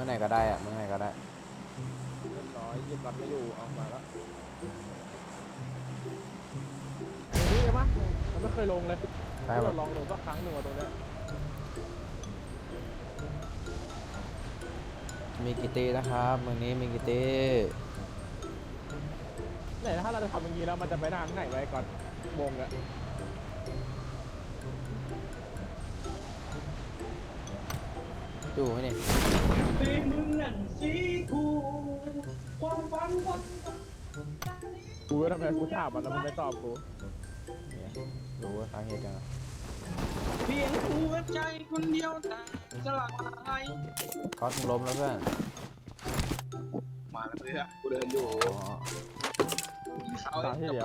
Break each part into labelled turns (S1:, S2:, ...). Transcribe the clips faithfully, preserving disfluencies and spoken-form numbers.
S1: มื่อไหร่ก็ได้อะเมื่อไหร่ก็ได้
S2: เรียบร้อยยิบรัดไม่อยู่เอามาแล้วนี่ใช่ปะมันไม่เคยลงเลยเราลองลงสักครั้งหนึ่งว่าตรงเนี้ย
S1: มีกี่ตีนะครับเมืองนี้มีกี่ตี
S2: ไหนถ้าเราจะทำอย่างนี้แล้วมันจะไปทางไหนไว้ก่อนวงอะ
S1: ดูไหมเนี่ย
S3: สีมึงนั่นสีกูความฝันความ
S2: กูทำไมกูถามมันแล้วมันไม่ตอบกู
S1: เนี่ยรู้ว่าสาเหตุยังไง
S3: เพียงหัวใจคนเดียวแต่สลาย
S1: ก๊อตมึงล้มแล้วเพื่อน
S3: มาแล้วเพื่อนกูเดินอยู่
S1: อ๋อ
S3: เขา
S2: ตามที่เดียว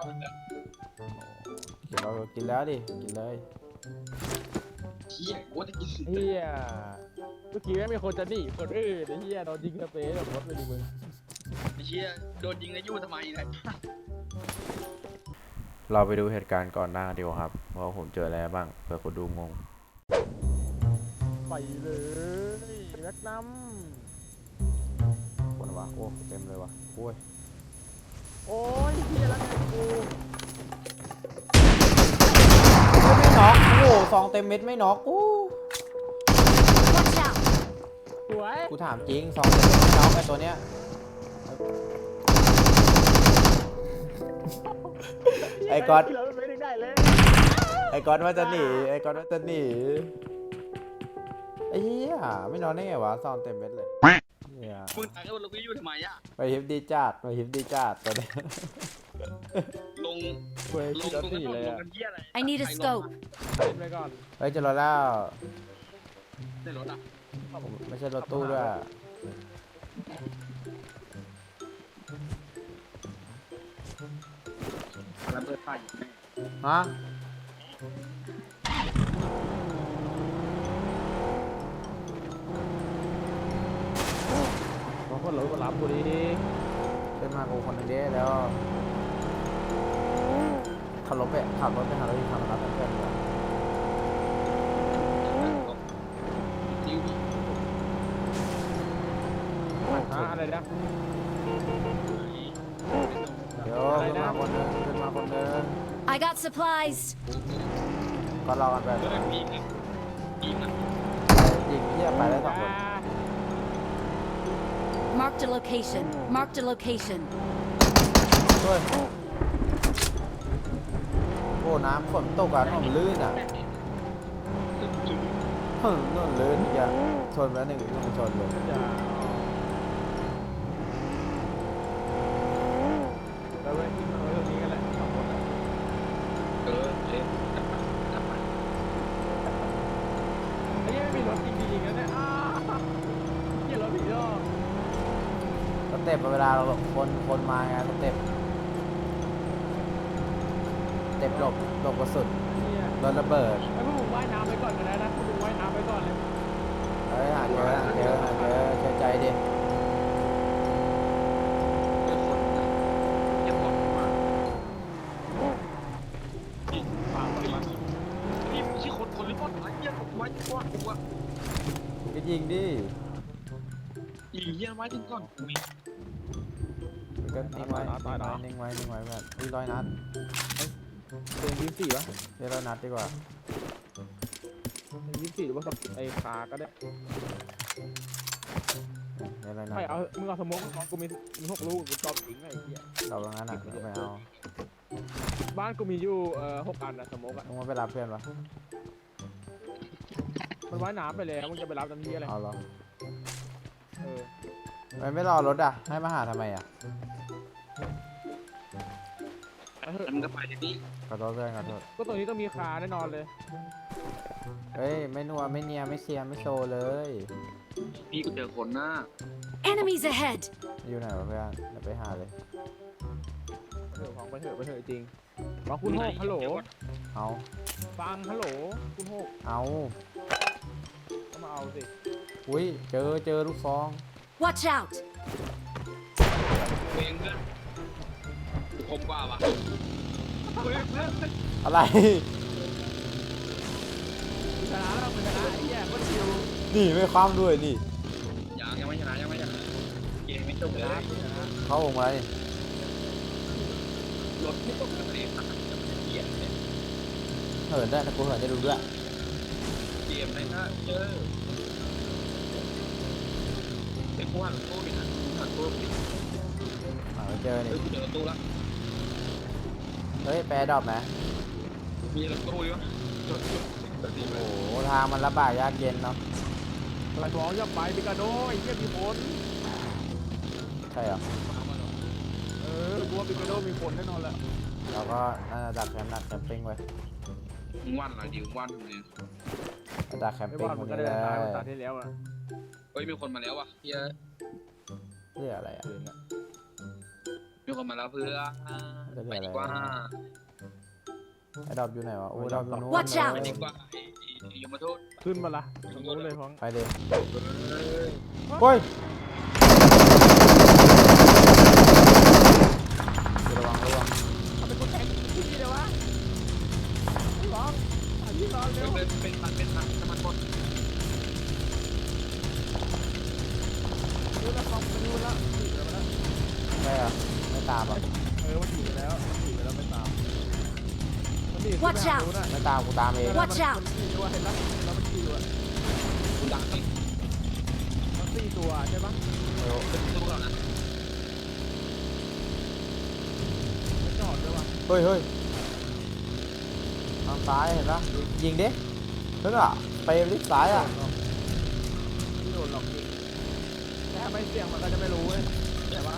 S1: กินเรากินแล้วดิกินเลย
S3: เฮียกูจะกิน
S2: เฮียเมื่อกี้ไม่มีคนจะหนีคนอื่นไอ้เฮียโดนยิงสเปรย์แบบรถเลยดิมึง
S3: เฮียโดนยิงแล้วยู่ทำไมเนี่ย
S1: เราไปดูเหตุการณ์ก่อนหน้าดีกว่าครับเพราะผมเจออะไรบ้างเผื่อคนดูงง
S2: ไปเลยแม็กนัม
S1: คนวะโอ้เต็มเลยวะโอ้ย
S2: โอ้ยเฮียแล้วไงกู
S1: ไม่น็อกโอ้ซองเต็มเม็ดไม่น็อกอู้
S4: Watch out!
S2: สวย
S1: กูถามจริงซองเต็มเม็ดไม่น็อกไอ้ตัวเนี้ยไอ้ก๊อต
S2: เราไม่ได้เลย
S1: ไอ้ก๊อตว่าจะหนีไอ้ก๊อตว่าจะหนีไอ้เหี้ยไม่นอนได้ไงวะซองเต็มเม็ดเลยเหี้ย
S3: มึงตายแล้วเราไปยู่ทำไมอ่ะ
S1: ไปฮิปดีจัดไปฮิปดีจัดตัวเนี้ย
S3: ลง
S2: เว้ย
S3: ล
S2: คิ
S3: ง
S2: ด
S3: ต
S2: แล้ว
S3: รง
S2: สี่
S3: นั้น
S2: เลย
S3: ลง
S2: อะ
S3: กันเฮียอะไร
S4: I need a scope.
S2: เล่นไปก่อน
S1: เฮ้ยเจะรอแล้ว
S3: ในรถอ่ะ
S1: ไม่ใช่รถตู้ด้วย
S3: แล้วเปิดไฟอยู่แน่
S1: ฮะ
S2: บางคนรถก็รับกูดี
S1: ขึ้นมากูคนหนึงดิแล้วขับรถไปขับรถไปหารถที่ทำรับเพื่อนๆดีกว่า
S3: ดิ้ว
S2: ฮะอะไรนะ
S1: เดี๋ยวขึ้นมาคนหนึงขึ้นมาคนหนึง
S4: I got supplies.
S1: ก็รอกันไป
S3: เดินยิงอ่ะยิงอ่ะ
S1: ยิงเที่ยไปได้สองคน
S4: Marked a location. Marked a location.
S1: ช่วยโอ้น้ำฝนตกอ่ะถนนลื่นอ่ะถนนลื่นอีกอ่ะชนไปแล้วหนึ่งหนึ่งชนเลย
S2: อย่าแล้วเว้ยที่มันเอาเรื่องนี้กันแหละสองคนอะ
S3: เออเล่นจับไปจับไป
S2: ไอ้เหี้ยังไม่มีรถจริงๆนะเนี่ยอ้าวเหี้ยรถผีรอบ
S1: สเต็ปเวลาเราแบบคนคนมาไงสเต็ปสเต็ปหลบหลบกระสุน
S2: เหี้ย
S1: โดนระเบิด
S2: ไอ้พวกมึงว่ายน้ำไปก่อนกันนะนะพวกมึงว่ายน้ำไปก่อนเลย
S1: เฮ้ยหาเจอหาเจอหาเจอเชื่อใจดิ
S3: เดี๋ยวคนนะเดี๋ยวคนมา
S2: ฟังมัน
S3: นี่ไม่ใช่คนคนหรือเปล่าไอ้เหี้ยไว้ก่อนกูอ่ะ
S1: ก็ยิงดิ
S3: ยิงเหี้ยไว้ถึงก่อนกูมี
S1: ก็นิ่งไว้นิ่งไว้นิ่งไว้นิ่งไว้แบบนี่ร้อยนัด
S2: เป็นยี่สิบสี่วะ
S1: เรียกร้อยนัดดีกว่า
S2: เป็นยี่สิบสี่หรือว่าไอ้ขาก็ได้
S1: เรียกร้อยนัด
S2: ไม่เอามึงเอาสมมติของกูมีมีหกลูกกูชอบทิ้งไอ้เหี้ย
S1: เราตรงนั้นอ่ะเราไปเอา
S2: บ้านกูมีอยู่เอ่อหกอันนะสมมติอะ
S1: มึงมาไปรับเพื่อนปะ
S2: มันว่ายน้ำไปแล้วมึงจะไปรับทันทีอะไร
S1: เอาเหรอ
S2: เออ
S1: ไม่ไม่รอรถอ่ะให้มาหาทำไมอ่ะ
S2: ไปเถอะ
S3: แล้วมึงก็ไปทีนี้
S1: ขอโทษเพื่อนขอโทษ
S2: ก็ตรงนี้ต้องมีคาแน่นอนเลย
S1: เฮ้ยไม่นัวไม่เนียไม่เชียร์ไม่โชว์เลย
S3: พี่กูเจอคนหน้า
S4: Enemies ahead.
S1: อยู่ไหนวะเพื่อนเดี๋ยวไปหาเลย
S2: เถอะของไปเถอะไปเถอะจริงฟังคุณโฮกฮัลโหล
S1: เอา
S2: ฟังฮัลโหลคุณโฮก
S1: เอา
S2: ก็มาเอาสิ
S1: อุ้ยเจอเจอลูกซอง
S4: Watch out!
S3: เองเพื่อนกูคมกว่าวะเพื่อนเพื่อน
S1: อะไร
S2: ชนะแล้วมึงชนะไอ้เหี้ยก็ชิว
S1: นี่ไม่คว่ำด้วยนี่
S3: ยังบเลย
S1: เข้าวงอะไร
S3: รถไม่ตกทะเลมันจะเกียร์เนี่ย
S1: เหินได้นะกูเหินได้ดูด้วย
S3: เกมในหน้าเจอเป็นกูหันตู้ดินะกูหันตู้ดิ
S1: อ่าไปเจอ
S3: เฮ้
S1: นี่
S3: ยกูเจอตู้ละ
S1: เฮ้ยแปรดรอปไหม
S3: มีรถตู้อยู่จดจดจดดีไป
S1: โอ้โหทางมันลำบากยากเย็นเนาะ
S2: กระบอกอย่าไปปิกาโดไอ้เหี้ยมีผล
S1: ใช่เหรอ
S2: เออกูว่าปิกาโดมีผลแน่นอนแหละ
S1: เราก็น่าจะดักแคมป์ดักแคมปิ้งไว้
S3: มึงวันอะไรดิวันเนี่ย
S1: ดักแคม
S2: ไม่
S1: ปิ้ง
S2: ว่า
S1: ค
S2: มัน
S1: น
S2: ก็
S1: นี้
S2: ได้
S1: เล
S2: ตายมัน
S1: ย
S2: ตายที่แล้วอ่ะ
S3: เฮ้ยมีคนมาแล้วว่ะเฮีย
S1: เรื่องอะไรอ่ะ
S3: มีคนมาแล้วเพื่อ
S1: เรื่อง
S3: ไป
S1: อะไร
S3: ดีกว่า
S1: ไอ้ดรอปอยู่ไหนวะโอ้ดรอปอยู่นู้น
S4: Watch out
S3: ไป
S1: เล
S3: ดี
S1: ย
S3: กว่าไอ้ไอ้ยมทูต
S2: ขึ้นมาละตรงนู้นเลยพ้อง
S1: ไปเลย
S3: เฮ้ย
S1: เฮ้ยระวังระวัง
S2: ทำเป็นคนแทงที่นี่เลยวะร้องอันนี้ร้องเร็ว
S3: เป็นเป็นพันเป็นพันน้ำมันหมด
S2: ดูแลฟองไปดูแลถีบไปแล้ว
S1: ใช่เหรอไม่ตามเหรอ
S2: เออมันถีบไปแล้วมันถีบไปแล้วไม่ตามมันถีบ
S4: Watch out
S1: ไม่ตามกูตามเอง
S4: Watch out
S2: มันถีบว่าเห็นแล้วแล้วมันถีบอ่ะ
S3: กูดังเลย
S2: มันสี่ตัวใช่ปะ
S1: เออ
S3: เป็นตู้เรานะ
S2: มันจอดด้วยวะ
S1: เฮ้ยเฮ้ยทางซ้ายเห็นปะยิงดิเฮ้ยอ่ะไปลิฟต์ซ้ายอ่ะ
S2: ไม่โดนหรอกจริงแต่ถ้าไม่เสี่ยงมันก็จะไม่รู้เว้ยแต่ว่า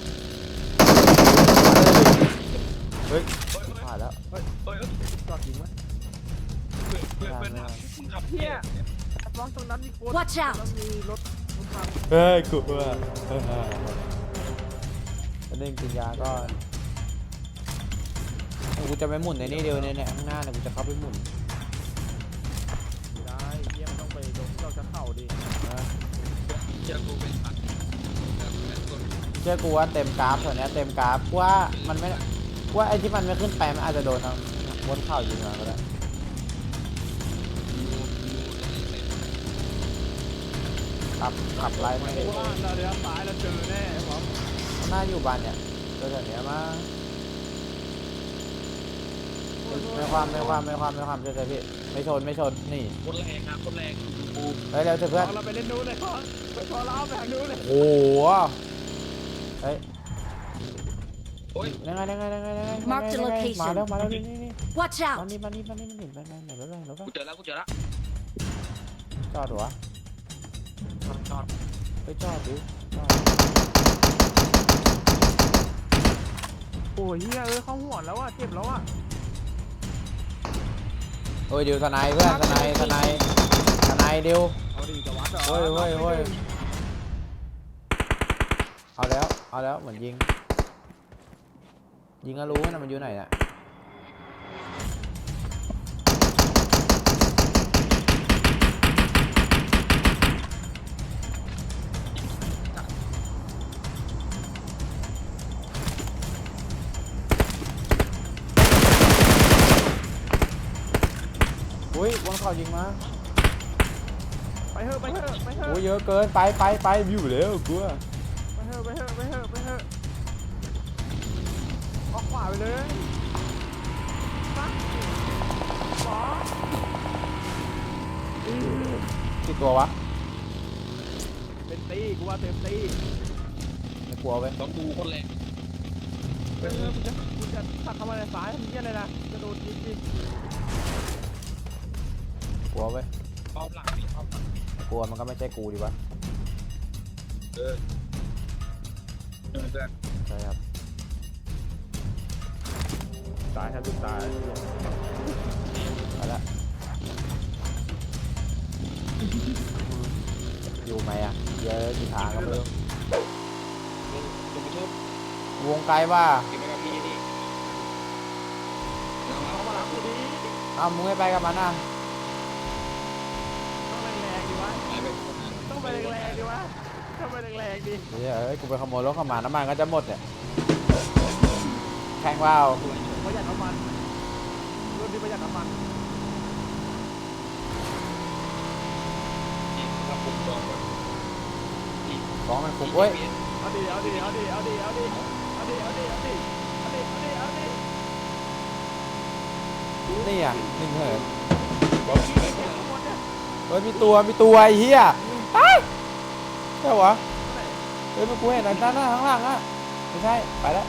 S1: เฮ้ย
S3: เฮ้ย
S1: ผ่านแล้ว
S3: เฮ้ยเฮ้ย
S2: จอดจริงไหม
S3: เพื่อนเพื่อนเพื่อนมึงขับเฮีย
S2: ร้องตรงนั้นมีคน
S4: Watch out
S2: แล้วมีรถรถพัง
S1: เฮ้ยกูว่าจะเล่นกินยาก่อนกูจะไปหมุนในนี่เดียวเนี่ยเนี่ยข้างหน้าเนี่ยกูจะเข้าไปหมุน
S2: ไม่ได้เยี่ยมต้องไปตรงที่เราจะเข้าดิ
S1: นะ
S3: เจอกูเป็นพัน
S1: เชื่อกูว่าเต็มกราฟส่วนนี้ยเต็มกราฟกูว่ามันไม่กูว่าไอ้ที่มันไม่ขึ้นไปมันอาจจะโดนทางบนเข่ายิงมาก็ได้ขับขับไล่ไม่
S2: เพราะว่าเราเลี้ยวซ้ายเราเจอแน่ผม
S1: หน้าอยู่บ้านเนี่ยตัวแบบเนี้ยมาไม่ความไม่ความไม่ความไม่ความเชื่อใจพี่ไม่ชนไม่ชนนี่
S3: คนแรงนะคนแรงกู
S1: เฮ้ยเร็วเถอะเพื่อน
S2: เราไปเล่นนู้นเลยพอไปพอเราไปทางนู้นเลย
S1: โอ้โหเฮ้ย
S3: โอ้ย
S1: ยังไงยังไงยังไงยังไง
S4: Mark the
S1: ยังไง
S4: location
S1: มาแล้วมาแล้วนี่นี่นี่
S4: Watch
S1: มา
S4: out!
S1: นี่มานี่มานี่มานี่มานี่มานี่รถอะไรรถ
S3: กูเจอแล้วกูเจอแล้ว
S1: จอดหัว
S3: จอดจอด
S1: ไปจอดดิจอด
S2: โอ้ยเฮียเออเข้าหัวแล้วอ่ะเจ็บแล้วอ่ะ
S1: เฮ้ยดิวทนายเพื่อนทนายทนายทนายดิว
S2: เอาดิจะวัดเหรอ
S1: เฮ้ยเฮ้ยเฮ้ยเอาแล้วเอาแล้วเหมือนยิงยิงก็รู้นะมันอยู่ไหนน่ะอุ้ยบนเขายิงมา
S2: ไปเถอะไปเถอะไปเถอะ
S1: โอ้ยเยอะเกินไปไปไปอยู่แล้วกูอะ
S2: ไปเถอะไปเถอะไปเถอะไปเถอะออกขวาไปเลยมาขวา
S1: กี่ตัววะ
S2: เป็นตีกูว่าเต็มตี
S1: ไม่กลัวเว้ย
S3: ต้องดูคนแรง
S2: เออมึงจะมึงจะตักเข้ามาในซ้ายทำเหี้ยอะไรนะจะโดนยิงดิ
S1: กลัวเว้ย
S3: ป้อมหลังนี่ป้อมหลัง
S1: กลัวมันก็ไม่ใช่กูดิวะ
S3: เออเพื่อนเพื่อน
S1: ใช่ครับ
S2: ตายครับทุกตาย
S1: ไปละอยู่ไหมอ่ะเยอะกี่ทางก็ไม่รู้
S3: ดูไปทุบ
S1: วงไกลว่า
S3: เก็บไปกับพี่นี่เรา
S2: เข้ามาหลังกูดิ
S1: อ้าวมึงไม่ไปกับมันอ่ะ
S2: ต้องแรงๆดิวะ
S3: ไปไปคนนั้น
S2: ต้องไปแรงๆดิวะต้องไปแรงๆดิ
S1: เดี๋ยวเอ้ยกูไปขโมยรถเข้ามาน้ำมันก็จะหมดเนี่ยแข่งว่าว
S2: ประหยัดน้ำมันรถที่ประหยัดน้ำมัน
S3: ที่เราปุ่มจองก่อน
S1: ของมันคุกเว้ย
S2: เอาเอาดิเอาดิเอาดิเอาดิเอาดิเอาดิเอาดิเอาดิเอาดิเอาดิเอาดิ
S1: นี่อ่ะหนึ่งเหิน
S2: ข้างบนเนี่ย
S1: เฮ้ยมีตัวมีตัวไอ้เหี้ยไอ้ใช่เหรอเฮ้ยมันกูเห็นด้านหน้าข้างล่างอ่ะไม่ใช่ไปแล้ว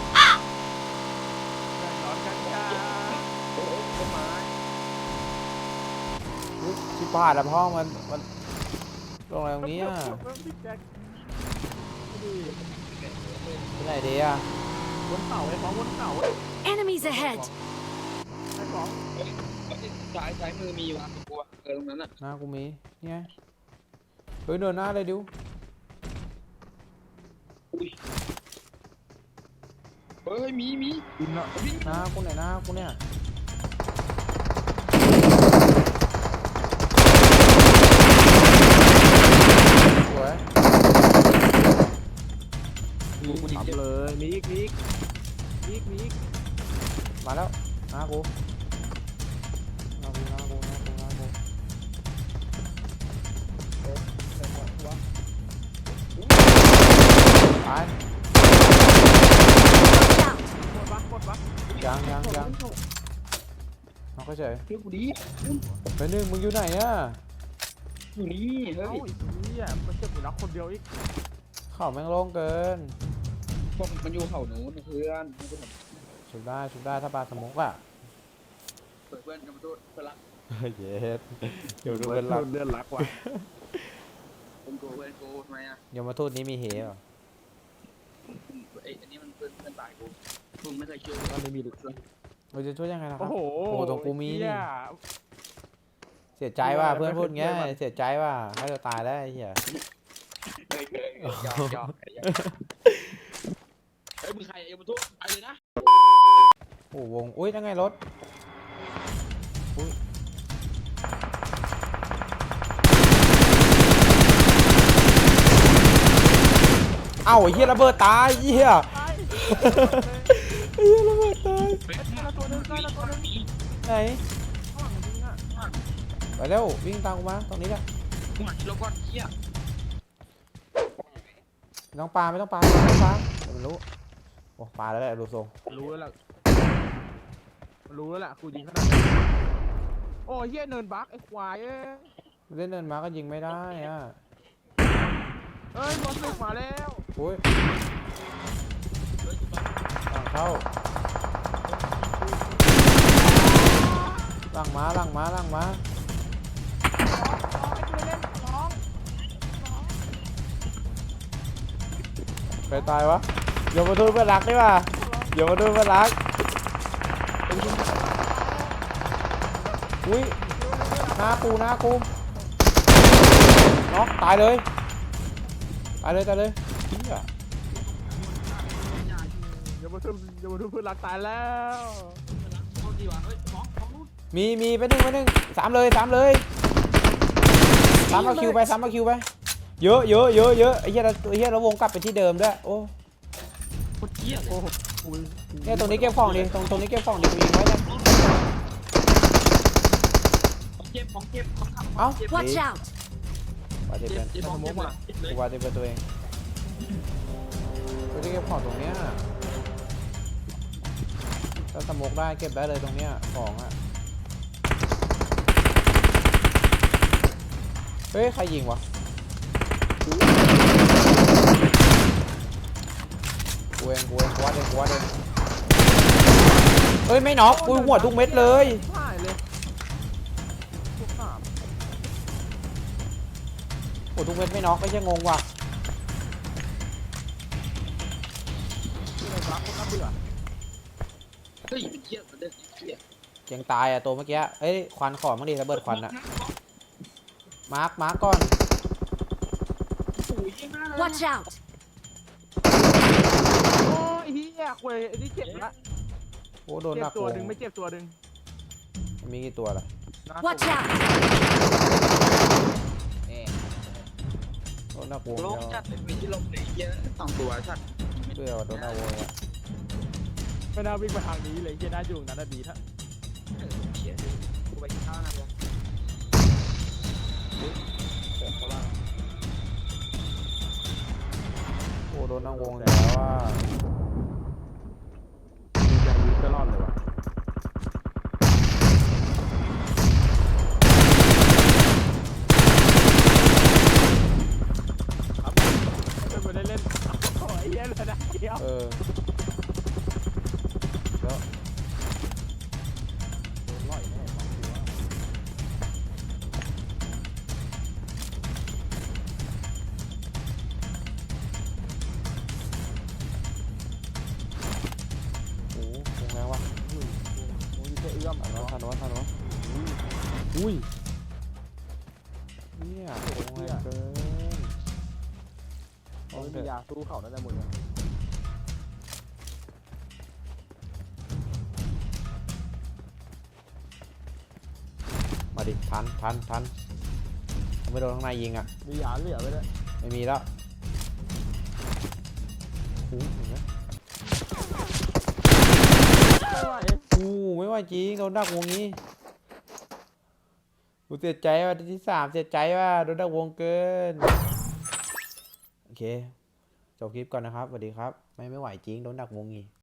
S2: ร้อนกันจ้า
S3: ต้นไม้
S1: อุ๊ยชิบหายแล้วพ่อมันมันลงอะไรตรงนี้อ่ะ
S2: พี่แจ็คดู
S1: ที่ไหนดีอ่ะ
S2: บนเขาไอ้ของบนเขา
S4: Enemies ahead!
S2: ไอ้ของ
S3: ซ้ายซ้ายมือมีวะกูว่าเออตรงนั้นอ่ะ
S1: หน้ากูมีเนี่ยเฮ้ยเดินหน้าเลยดิว
S3: อุ้ยเฮ้ยมีมี
S2: บินเนาะ
S3: วิ่ง
S1: หน้ากูไหนหน้ากูเนี่ยสวย
S2: มีกูทำเลยมีอีกมีอีกมีอีกมีอีก
S1: มาแล้วหน้ากูหน้ากูหน้ากูหน้ากูหน้ากูตาย
S4: Watch out!
S2: กดวักกดวัก
S1: ยังยังยังน้องก็เฉย
S3: เฮ้ยกูดี
S1: ไปหนึ่งมึงอยู่ไหนอ่ะ
S3: อยู่นี่เฮ้
S2: เอ้าย เฮียมันเจ็บอยู่นักคนเดียวอีก
S1: เข่าแม่งโล่งเกิน
S3: พวกมันอยู่เขาหนูนะเพื่อน
S1: ชุบได้ชุบได้ถ้าปลาสมกอ่ะ
S3: เปิดเพื่อนกันมาดูเพื่อนรัก
S1: เย็ดเดี๋ยวดูเป็นหลัก
S2: เดือนรักว่ะ
S3: เป็นโกเพื่อนโกทำไมอ่ะ
S1: ยมทูตนี้มีเหรอ
S3: ไอ้อันนี้มันเพื่อนเพื่อนตายกูมึงไม่เคยเชื่อ
S2: มันไม่มี
S1: เราจะช่วยยังไงล่ะค
S2: โอ้
S1: รับ
S2: โห
S1: โอ้ตรงกูมี
S2: เหี้
S1: นี่
S2: ย
S1: เสียใจว่ะ
S2: เออ
S1: เพื่อนพูดเงี้ย
S2: ไม่เคย
S1: เสียใจว่ะให้เราตายได้วไอ้เหี้ย
S3: เคยเคยยอมยอมเฮ้ยมึงใครเอ็มทุกไปเลยนะ
S1: โอ้วงอุ้ยยังไงรถอุ้ยเอ้าไอ้เหี้ยระเบิดตายไอ้เหี้ยไอ้เหี้ยระเบิดตาย
S2: ตัวนึงตัวนึง
S1: ไหน
S2: ข้างหลังจริงอ่ะ
S1: ไปเร็ววิ่งตามกูมาตรงนี้แหละ
S3: หัวชิโลก้อนเหี้ย
S1: ไม่ต้องปลาไม่ต้องปลาไม่ต้องปลาเดี๋ยวมันรู้โอ้ปลาแล้วแหละดูทรง
S2: รู้แล้วล่ะรู้แล้วล่ะกูยิงขนาดนี้โอ้เฮียเนินบักไอ้ควายเอ้ย
S1: ไม่ได้เดินมาก็ยิงไม่ได้อ่ะ
S2: เอ้ยบอลสึกมาแล้ว
S1: อุ้ยหลังเข้าหลังมาหลังมาหลังมาใครตายวะอย่ามาดูเพื่อนรักดิว่ะอย่ามาดูเพื่อนรักอุ้ยหน้ากูหน้ากูน็อกตายเลยตายเลยตายเลยเหี้ย
S2: อย่ามาทุบอย่ามาทุบเพื่อนรักตายแล้ว
S3: โทษดีว่ะเฮ้ยของของนู้น
S1: มีมีไปหนึ่งไปหนึ่งสามเลยสามเลยสามเอาคิวไปสามเอาคิวไปเยอะเยอะเยอะเยอะไอ้เหี้ยเราไอ้เหี้ยเราวงกลับไปที่เดิมด้วยโอ้
S3: โคตรเหี้ยเลย
S2: โอ้โหกู
S1: เนี่ยตรงนี้เก็บของดิตรงตรงนี้เก็บของดิกูยิงไว้เลย
S3: ของเจ็บของเจ็บของขับ
S1: เอ้า
S4: Watch out!
S1: ว่าจะ
S3: เจ็
S1: เป็
S3: บ
S1: น
S3: เจ็บของเจ็บเลยเลย
S1: กูว่าจะเป็นตัวเองกูจะเก็บของตรงเนี้ยถ้าสโมกได้เก็บได้เลยตรงเนี้ยของอ่ะเฮ้ยใครยิงวะกูเองกูเองกูว่าเองกูว่าเองเฮ้ยไม่น็อกกูหัวทุกเม็ดเลย
S2: หายเลยพวกสาม
S1: หัวทุกเม็ดไม่น็อกไม่ใช่งงว่ะ
S2: ที่ไหนรักคนน่าเบื่อ
S3: เฮ้ยเป็นเหี้ยมันเด็กเหี้ย
S1: ยังตายอ่ะตัวเมื่อกี้เอ้ยควันขอมั่งดิระเบิดควันอ่ะมาร์คมาร์คก่อน
S3: โอ้ยเหี้ยมากเลย
S4: Watch out!
S2: โอ้ยเฮียควยไอ้นี่เจ็บละ
S1: โอ้โดนห
S2: เจ็
S1: นั
S2: บ
S1: ก
S2: ตัว
S1: โก
S2: หนึ่งไม่เจ็บตัวหนึ่ง
S1: มันมีกี่ตัวล่ะ
S2: นะ
S4: Watch out!
S1: โดนหนักวง
S3: โล
S1: เดี
S3: ก
S1: ยว
S3: จัดเลยมีที่ลงเลยเหี้ยสองตัวชัด
S1: เพื่อโดนหนักวงอ่ะ
S2: ไม่น่าวิ่งมาทางนี้เลยเฮียน่าอยู่นั้นน่ะดีถ้า
S3: เออเหี้ยกูไปกินข้าวนะวะ
S1: โอ้โดนนั่งวงอีกแล้วว่า
S2: มีแจงวิทย์ก็รอดเลยว่ะครับไม่ได้เล่นโอ้ยเหี้ยเลยนะเดียว
S1: เออแล้ว
S2: โดนล่อยแน่สองตัว
S1: โอ้โหวงแรงว่ะ
S2: อุ้ยโอ้ยแค่เอื้อม
S1: ทันวะทันวะทันวะอุ้ยเนี่ยวงแรงเกิน
S2: เขาไม่มียาสู้เขานั่นแหละมึงอะ
S1: มาดิทันทันทันไม่โดนข้างในยิงอ่ะ
S2: มียาเหลือไปเลย
S1: ไม่มีแล้วโอ้โหเห็นไหม
S2: ไม่ไหว
S1: โอ้โหไม่ไหวจริงโดนดักวงนี้กูเสียใจว่าที่สามเสียใจว่าโดนดักวงเกินโอเคจบคลิปก่อนนะครับสวัสดีครับไม่ไม่ไหวจริงโดนดักวงนี้